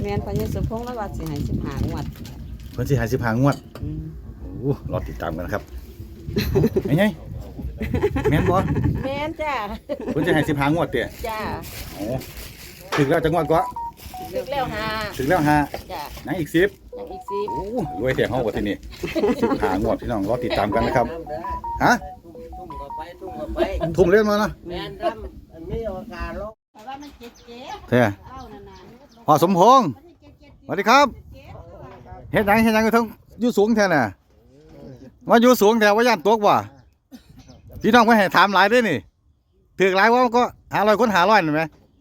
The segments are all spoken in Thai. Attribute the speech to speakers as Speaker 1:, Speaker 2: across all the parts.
Speaker 1: แม่นพญาสุพงษ์แล้วว่าสิให้15งวด
Speaker 2: เพิ่นสิให้15งวดโอ้รอติดตามกันครับไงแม่นบ่
Speaker 1: แม่นจ้า
Speaker 2: เพิ่นสิให้15งวดเด้
Speaker 1: จ้า
Speaker 2: โอ้ถึงแล้วจังหวัดก็
Speaker 1: ถึงแล้ว
Speaker 2: ถึงแล้ว
Speaker 1: จ้า
Speaker 2: ยังอีก10
Speaker 1: ยังอีก10
Speaker 2: โอ้รวยแท้เฮาบ่ทีนี้15งวดพี่น้องรอติดตามกันนะครับฮะทุ่มเล่นมาเนาะ
Speaker 3: แม่นดำอันนี้โอกาสลง
Speaker 1: เพราะว่ามันเจ็บ
Speaker 2: แท้พ่อสมพงษ์สวัสดีครับเฮ็ดหยังอยู่ทั้งอยู่สูงแท้น่ะว่าอยู่สูงแท้ว่าย่านตกบ่พี่น้องไม่ให้ถามหลายด้วยนี่ถือหลายว่าก็500คน500นั่นไหม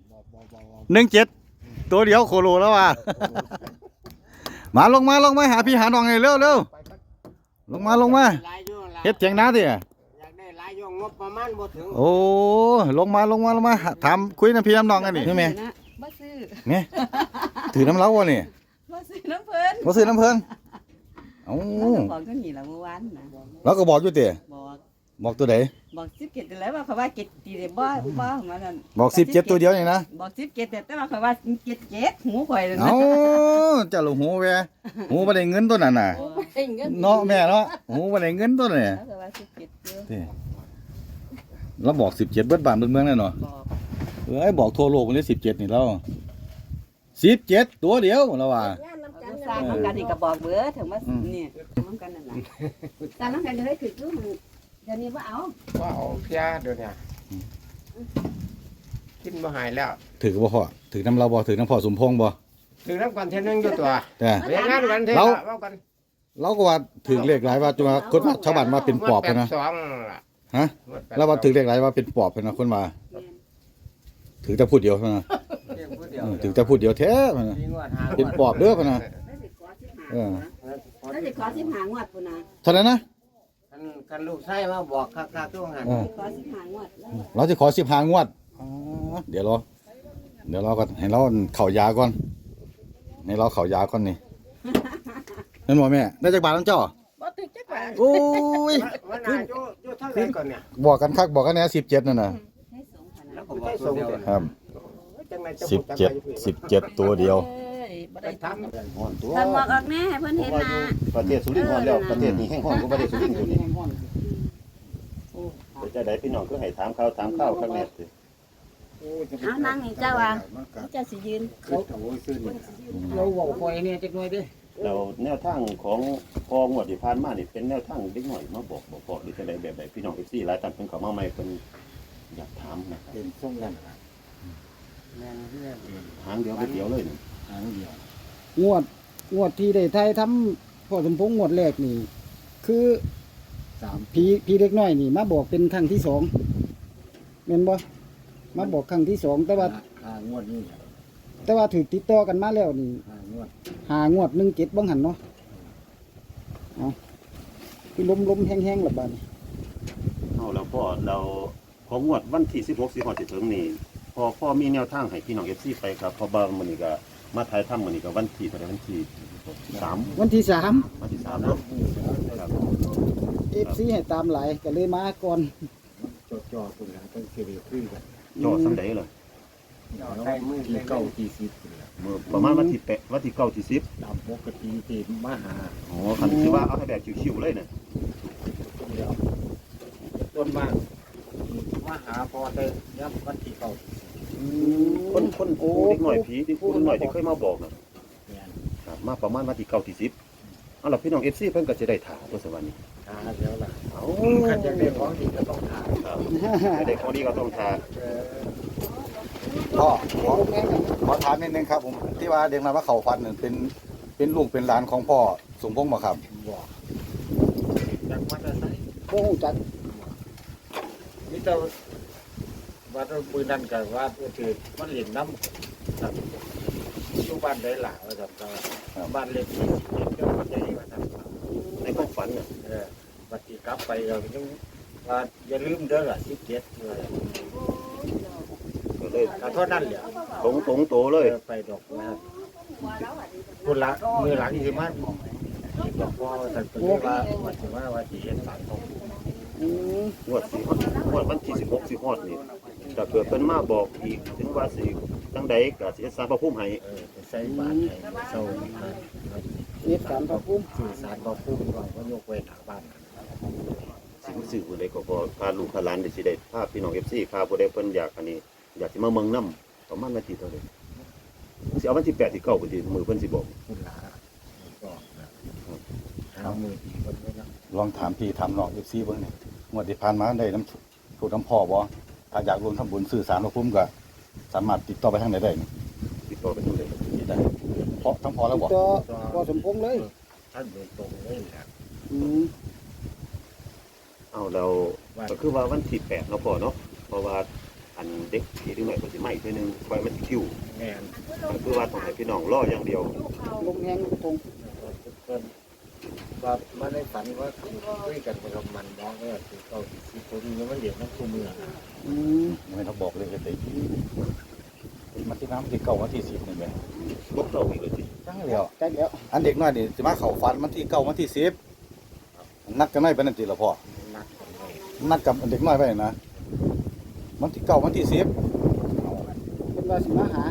Speaker 2: 17ตัวเดียวโคโลแล้วว่ะมาลงมาหาพี่หาน้องให้เร็วลงมาเฮ็ดเถียงนาดิ
Speaker 3: อยากได้หลายยงงบประมาณบ่ถึง
Speaker 2: โอ้ลงมาถามคุยน้ำพี่น้ำน้องกันนี่ใช่ไหม
Speaker 1: บ่ซื้อ
Speaker 2: ไงถือน้ำเล้าวะนี่
Speaker 1: บ่ซื้อน้ำเพิ่น
Speaker 2: เอ้า
Speaker 1: บอกจังนี้ล่ะเมื่อวานน่ะ
Speaker 2: เราก็บอกอยู่ติบอกตัวใด
Speaker 1: บอก17แล้วว่าเขาว่า7ตีได้บ่มานั่น
Speaker 2: บอก17ตัวเดียวนี่นะ
Speaker 1: บอก17แต่ว่าเขาว่า77หูข่อยนั่น
Speaker 2: เอ้าเจ้าลูกหูแวหูบ่ได้เงินตัวนั้นน่ะเนาะแม่เนาะหูบ่ได้เงินตัวนี้
Speaker 1: เขาว่า17อยู่
Speaker 2: เราบอก17เบิดบ้านเบิดเมืองแน่เนาะบอกทั่วโลกมันได้17นี่แล้ว17ตัวเดียวเราว่า
Speaker 1: สร้างน้ำกันนี่ก็บอกเบื่อถึงว่านี่น้ำกันนั่นน่ะสร้างน้ำกันจะได้คือคือมันเดี๋ยวนี้ว่าเอา
Speaker 3: เพียเดี๋ยวนี้กินบ่หายแล้ว
Speaker 2: ถือบ่พ่อถือน้ำเราบ่ถือน้ำพ่อสมพงษ์บ่
Speaker 3: ถือน้ำกันเท่นึงอยู่ตัวเรียนงานกันเท่ากัน
Speaker 2: เราก็ว่าถือเลขหลายว่าจะมาคนชาวบ้านมาเป็นปอบนะฮะแล้วว่าถือเลขหลายว่าเป็นปอบนะคนมาถือแต่พูดเดียวนะถือแต่พูดเดียวแท้นะเป็นปอบเด้อพนะ
Speaker 1: แล้วจะขอ15งวดพุ่นน่ะ
Speaker 2: เท่านั้นนะ
Speaker 3: กันลูกชายมาบอกคักๆทุกหัน
Speaker 1: ขอ15งวด
Speaker 2: เราจะขอ15งวดเดี๋ยวเราก็ให้เราเข่ายาก่อนให้เราเข่ายาก่อนนี่นั่นบ่แม่ได้จักบาทน้องเจ้า
Speaker 1: บ่ถึงจักบาท
Speaker 2: โอ้ย
Speaker 3: วันน่ะอยู่เท่าไหร่ก่อนเนี่ย
Speaker 2: บอกกันคักบอกกันแน่17นั่นน่ะครับ17ตัวเดียว
Speaker 1: ทำหมอกออกแน่ให้เพิ่นเห็นนะ
Speaker 4: ประเทศสุรินทร์ฮ้อนแล้วประเทศนี้แห้งฮ้อนกว่าประเทศสุรินทร์อยู่นี่จะได้พี่น้องก็ให้ถามข้าวข้างแน่สิ
Speaker 1: เอานั่งนี่เจ้าว่าเจ้าสิยืน
Speaker 3: เราเว้าคอยเนี่ยจักหน่อยเด้
Speaker 4: แล้วแนวทางของพองวดที่ผ่านมานี่เป็นแนวทางเล็กน้อยมาบอกหรือจะได้แบบใดพี่น้อง FC หลายท่านเพิ่นเข้ามาใหม่เพิ่นอยากถามนะครับ
Speaker 3: เป็นทรงนั้น
Speaker 4: หางเดียวไปเดียวเลย
Speaker 3: หางเดียวงวดที่ได้ไทยทำพ่อสมพงษ์งวดแรกนี่คือพี่เล็กน้อยนี่มาบอกเป็นครั้งที่2แม่นบ่มาบอกครั้งที่2แต่ว่างวดนี้แต่ว่าถูกติดต่อกันมาแล้วนี่5งวด17บ่หันเนาะเอาคือลมแห้งๆล่ะบัดนี้
Speaker 4: เอาแล้วพ่อเราของงวดวันที่16สิงหาคมสิถึงนี่พ่อมีแนวทางให้พี่น้อง FC ไปครับพอบางมื้อนี้ก็มาถ่ายทำมื้อนี้ก็วันที่เท่าใดวันที่3
Speaker 3: วันที่3
Speaker 4: เนาะครับ
Speaker 3: FC ให้ตามหลายก็เลยมาก่อนจ่อพุ่นล่ะตั้งสิได้คุยกัน
Speaker 4: จ่อซำใดเลย
Speaker 3: ใช้มือที่9ที่10พุ่นล่ะ
Speaker 4: ประมาณวันที่9ที่10
Speaker 3: ตามปกติที่มาหา
Speaker 4: อ๋อคันสิว่าเอาให้แบบชิวๆเลยน่ะ
Speaker 3: ต้นมากมาหาพอได้ยับวันที่9
Speaker 4: คนโอ้เด็กหน่อยผีที่คนหน่อยที่เคยมาบอกนะครับมาประมาณวันที่9ที่10เอาล่ะพี่น้อง FC เพิ่นก็จะได้ถามตัวสวรรค์นี้
Speaker 3: แล้วล่ะคันอยากได้ของดีก็ต้องถาม
Speaker 4: ครับได้ของดีก็ต้องถาม
Speaker 2: พ่อขอถามนิดนึงครับผมที่ว่าเด็กมาว่าเขาฟันเป็นลูกเป็นหลานของพ่อสมพงษ์บ่ครับ
Speaker 3: บ่จักมาแต่ไสบ่ฮู้จักมีแต่ว่าปืนนั่นก็ว่าถือมันเล่นน้ำครับอยู่บ้านได้หล่ะว่าซั่นบ้านเล็กที่เจ้าใหญ่ว่าซั่น
Speaker 4: ในความฝันน่ะ
Speaker 3: บัดนี้กลับไปก็ยังว่าอย่าลืมเด้อล่ะ17
Speaker 4: ก็เลย
Speaker 3: เท่านั้นแหละ
Speaker 4: ตรงโตเลย
Speaker 3: ไปดอกนะครับพุ่นละมือหลังสิมาบอกพ่อท่านว่าสิเฮ็ดสารของ
Speaker 4: งวดวันที่16สิฮอดนี่ถ้าเกิดเพิ่นมาบอกอีกถึงว่าสิจังใดก็สิสร้างพระภูมิให้
Speaker 5: ไปใส่บาตรให้เศร้า
Speaker 3: เฮ็ดการพระภูมิ
Speaker 5: สื่อสารบอกผู้ก่อนว่ายกไว้หน้าบ้าน
Speaker 4: สิรู้สึกผู้ใดก็พอพาลูกพาหลานได้สิได้พาพี่น้อง FC พาผู้ใดเพิ่นอยากอันนี้อยากสิมาเมืองนำประมาณวันที่เท่าใดสิเอาวันที่8ที่9พุ่นสิมื้อเพิ่นสิบอก
Speaker 5: คุณหลาก็หามือดีคนไว้นะ
Speaker 2: ลองถามพี่ถามน้อง FC เบิ่งนี่งวดที่ผ่านมาได้น้ำถูกน้ำพ่อบ่ถ้าอยากรวมทำบุญสื่อสารพระภูมิก็สามารถติดต่อไปทางไหนได้นี่
Speaker 4: ติดต่อไปทางใด
Speaker 2: ติดได้เพราะทั้งพ่อแล้วบ่
Speaker 3: ต่อพ่อสมพงษ์เลย
Speaker 5: ท่านโดยตรงเลยแหละ
Speaker 3: อืม
Speaker 4: เอาเราก็คือว่าวันที่8เนาะพ่อเนาะเพราะว่าอันเด็กที่ถึงไหนเพิ่นสิมาอีกเทื่อนึงไว้มันสิคิว
Speaker 5: แม่น
Speaker 4: ก็คือว่าต้องให้พี่น้องรออย่างเดียว
Speaker 3: ลงแหงลงทง
Speaker 5: เพิ่นว่ามาในฝันว่าคุยกันกับมันน้องก็คือเขาสิคนนี้มันเดี๋ยวน้ำคู่เมือง
Speaker 3: อืม
Speaker 2: ไม่ต้องบอกเลยก็ได้มันที่น้ำที่เก่าวันที่10นี่แหละ
Speaker 4: บ่เข้าอีกเลยสิ
Speaker 2: จังแล้ว
Speaker 3: ใกล้แล้ว
Speaker 2: อันเด็กน้อยนี่สิมาเข้าฝันวันที่9วันที่10นัดกันไว้ปานนั้นติล่ะพ่อ
Speaker 5: นักกันไว้
Speaker 2: นัดกับเด็กน้อยไว้นะวันที่9วันที่10
Speaker 3: เป็นว่าสิมาหา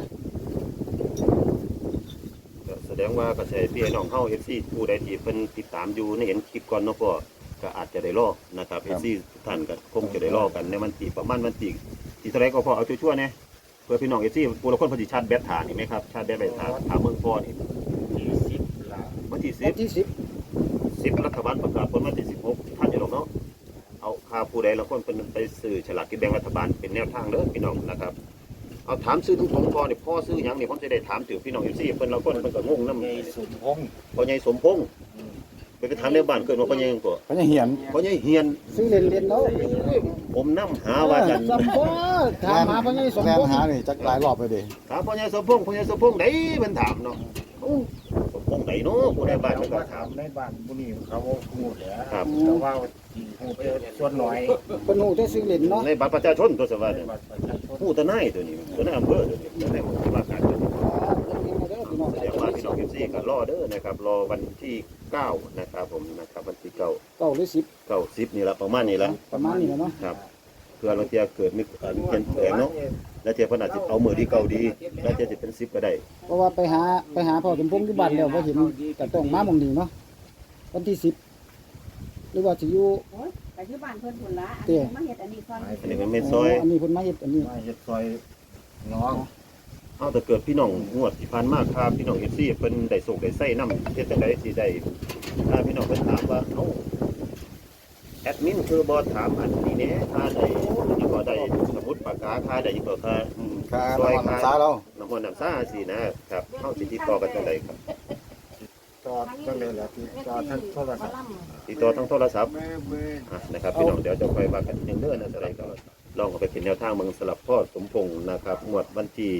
Speaker 4: ก็แสดงว่ากระแสพี่น้องเฮา FC ผู้ใดที่เพิ่นติดตามอยู่ในเห็นคลิปก่อนเนาะพ่อก็อาจจะได้รอนะครับ FC ทุกท่านก็คงจะได้รอกันในวันที่ประมาณวันที่เท่าไหร่ก็พอเอาชั่วๆแน่เพื่อพี่น้อง FC ผู้ละคนเพิ่นสิชาร์จแบตฐานนี่ไหมครับชาร์จแบตไปถามเมืองพ่อนี่
Speaker 5: ที่สิบละ
Speaker 4: วันที่
Speaker 3: วันที่
Speaker 4: 10รัฐบาลประกาศผลวันที่16ท่านอย่าลงเนาะเอาค่าผู้ใดละคนเพิ่นไปซื้อฉลากกินแบ่งรัฐบาลเป็นแนวทางเด้อพี่น้องนะครับเอาถามซื้อตรงๆพ่อนี่พ่อซื้อหยังนี่ผมจะได้ถามถึงพี่น้อง FC เพิ่นละคนเพิ่นก็งงนำ
Speaker 5: ในสุนพงษ์
Speaker 4: พ่อใหญ่สมพงษ์ไปถามในบ้านเกิดว่าพ่อใหญ่หยังก็
Speaker 2: เขาจะเหียน
Speaker 4: พ่อใหญ่เฮียน
Speaker 3: ซื้อเล่นๆเนาะ
Speaker 4: ผมนำหาว่าจัน
Speaker 3: สมพงษ์ถามหาพ่อใหญ่สม
Speaker 2: แล่
Speaker 3: พ
Speaker 2: น
Speaker 3: งษ์
Speaker 2: หานี่จักหลายรอบไปดิ
Speaker 4: ถามพ่อใหญ่สมพงษ์พ่อใหญ่สมพงษ์ไหนเพิ่นถามเนาะโอ้สมพงษ์ไหนเนาะผู้ใดบ้านเพิ่นก็
Speaker 5: ถา
Speaker 4: ถาม
Speaker 5: มในบ้านบุรีเขาพูดแหละ
Speaker 4: ครับ
Speaker 5: แต่ว่าหูไปส่วนน้อย
Speaker 3: เพิ่นฮู้แต่ซื้อเล่นเนาะ
Speaker 4: ในบัตรประชาชนตัวสวัสดิ์
Speaker 5: บัตรประชาชน
Speaker 4: ผู้ตะนายตัวนี้ตัวนายอำเภอตัวนี้ตัวนายว่าการตัวนี้
Speaker 3: เด้อพี่น้อง
Speaker 4: แสดงว่าพี่น้อง FC ก็รอเด้อนะครับรอวันที่9นะครับผมนะครับวันที่9
Speaker 3: เก้าหรือ10
Speaker 4: 90นี่ละประมาณนี้ละ
Speaker 3: ประมาณนี้แหละเนาะ
Speaker 4: ครับเพื่อเราจะเกิดมีเปลี่ยนแปลงเนาะแล้วเทียบขนาดสิเอามือที่เก่าดี แล้วจะเป็น10ก็ได้
Speaker 3: เพราะว่าไปหาพ่อสมพงษ์ที่บ้านแล้วบ่เห็นก็ต้องมาหม่องนี้เนาะวันที่10หรือว่าสิอยู่
Speaker 1: โอ้ยไปที่บ้านเพิ่นพุ่นละอันนี้มาเฮ็ดอันนี้ก่อน
Speaker 4: อันนี้ก็ไม่ซอย
Speaker 3: อันนี้เพิ่นมาเฮ็ดอันนี้
Speaker 5: มาเฮ็ดซอยน้อง
Speaker 4: เอาแต่เกิดพี่น้องงวดที่ผ่านมาครับพี่น้อง FC เพิ่นได้ส่งได้ใส่นำเฮ็ดจังได๋สิได้ถ้าพี่น้องเพิ่นถามว่าเอ้าแอดมินคือบ่ถามอันนี้แหน่ค่าได้นี่ก็ได้สมุดปากกาค่าได้อีกก็ค่า
Speaker 2: ค่าน้ำมันน้ำสาเรา
Speaker 4: น้ำมันน้ำซ่าสินะครับเฮาสิติดต่อกันจังไดครับ
Speaker 5: จอดก็เลยแหละที่จอดท่านโทรศัพท์
Speaker 4: ติดต่อทางโทรศัพท์
Speaker 5: เบ้
Speaker 4: นะครับพี่น้องเดี๋ยวจะไปว่ากันอีกเรื่องนะอะไรก็ลองเอาไปเป็นแนวทางเมืองสลับพ่อสมพงษ์นะครับงวดวันที่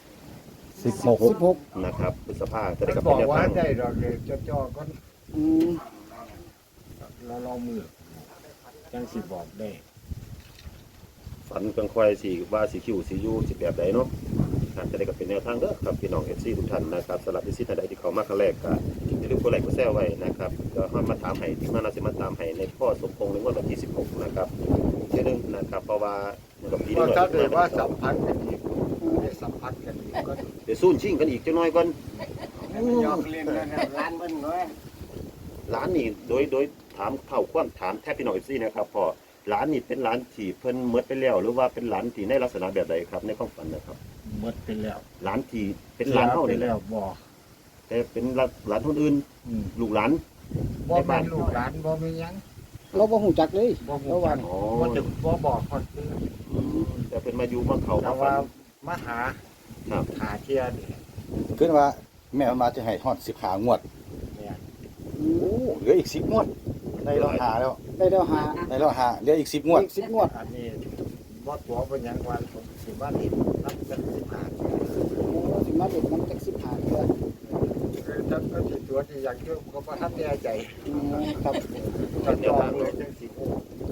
Speaker 3: 16
Speaker 4: นะครับพฤษภาจะได้
Speaker 5: ก็
Speaker 4: กับ
Speaker 5: บ
Speaker 4: เป็
Speaker 5: อน ก
Speaker 4: แนว
Speaker 5: ว่า
Speaker 4: ทาง
Speaker 5: ได้ดอกเลยจอก็
Speaker 3: อืม
Speaker 5: เรามือจังสิบอกได้
Speaker 4: ฝันกังควายสีว่าสีคิวสียูสีแบบใดเนาะจะได้กับเป็นแนวทางเด้อครับพี่น้องเอฟซีทุกท่านนะครับสำหรับที่ซีท่านใดที่เขามาครั้งแรกก็อย่าลืมกดไลค์กดแชร์ไว้นะครับก็มาถามให้ที่มาเราจะมาตามให้ในพ่อสมพงษ์ในงวดวันที่16นะครับเชื่อนึงนะครับเพราะว่ากับปี
Speaker 5: ก็
Speaker 4: นี้
Speaker 5: ถ้าเกิดว่าสัมพันธ์กันอีกได้สัมพันธ์กันอีกก็
Speaker 4: เดี๋ยวสู้ชิงกันอีกจังน้อยก่อน
Speaker 5: ยอกเล่นกันร้านเบิ้ลน้อย
Speaker 4: ร้านนี่โดยถามเข้าความถามแทบพี่น้องเอฟซีนะครับพอร้านนี่เป็นร้านที่เพิ่นเมดไปแล้วหรือว่าเป็นร้านที่ในลักษณะแบบใดครับในความฝันนะครับ
Speaker 5: หมดไปแล้ว
Speaker 4: ร้านที่เป็นร้านเฮา
Speaker 5: ไป
Speaker 4: นี่แห
Speaker 5: แล้
Speaker 4: ละ
Speaker 5: วบอก
Speaker 4: แต่เป็นร้านคนอื่นลูกหลาน
Speaker 5: บ่แม่นลูกหลานบ่มีหยัง
Speaker 3: เราบ่ฮู้จักเลย
Speaker 5: บ่ฮู้
Speaker 3: เราว่า
Speaker 5: จักบ่ถึงบ่บอกคนอื่น
Speaker 4: แต่เป็นมาอยู่มาเขา
Speaker 5: แต่
Speaker 4: มาฝั
Speaker 5: ว่าน มาหา
Speaker 4: ครับ
Speaker 5: หาเที่ยนี่
Speaker 2: ขึ้นว่าแม่มันมาจะให้ฮอด15งวด
Speaker 5: เนี่ย
Speaker 2: โอ้เหลืออีก10งวดได้แล้วหาแล้ว
Speaker 3: ได้แล้วหา
Speaker 2: ได้แล้วหาเหลืออีก10งวด
Speaker 3: อีก10งวด
Speaker 5: อันนี้บ่ตัวเป็นหยังวันผมสิว่านี่นับกัน15
Speaker 3: โอ้สิมาเด็ดมันจัก15เทื่อ
Speaker 5: คือถ้าก็สิตัวที่อยากเที่ยวก็บ่ทันแน่ใจ
Speaker 3: ครับ
Speaker 5: ถ้าจองเลยจังสิโอ้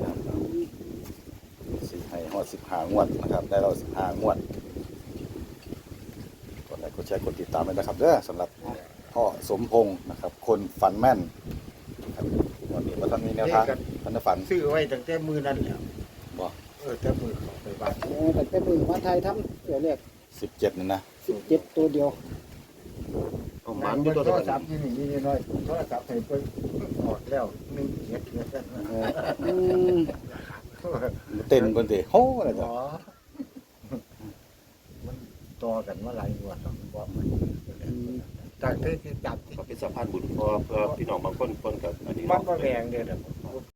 Speaker 2: สิให้ฮอด15งวดนะครับได้แล้ว15งวดกดไลค์กดแชร์กดติดตามด้วยนะครับเด้อสำหรับพ่อสมพงษ์นะครับคนฝันแม่นครับวันนี้บ่ทันมีแนวทางทันฝัน
Speaker 5: ซื้อไว้ตั้งแต่มื้อนั้นแล้ว
Speaker 2: บ่
Speaker 5: แต่มื้อเขาไปบ้าน
Speaker 3: โอ้แต่มือมาไทยทำเดี๋ยวแรก
Speaker 2: 17นั่นนะ
Speaker 3: 17ตัวเดียว
Speaker 4: เอาห
Speaker 5: มั
Speaker 4: มัน
Speaker 5: น
Speaker 4: อยู่ตัว
Speaker 5: โท
Speaker 4: เดียว
Speaker 5: รศัพท์ที่นี่น้อยโทรศัพท์ให้เพิ่นออกแล้ว1 7เนี่ย
Speaker 3: อืม
Speaker 2: เต้นเพิ่นสิโหอะไร
Speaker 5: หม
Speaker 2: ต่อ
Speaker 5: อมันต่อกันมาหลายงวดแล้วมันบอกมันจากที่จับที่
Speaker 4: ก็เป็นสะพานบุญเพื่อพี่น้องบางคนกับอันนี้
Speaker 5: มันก็แรงเด้อ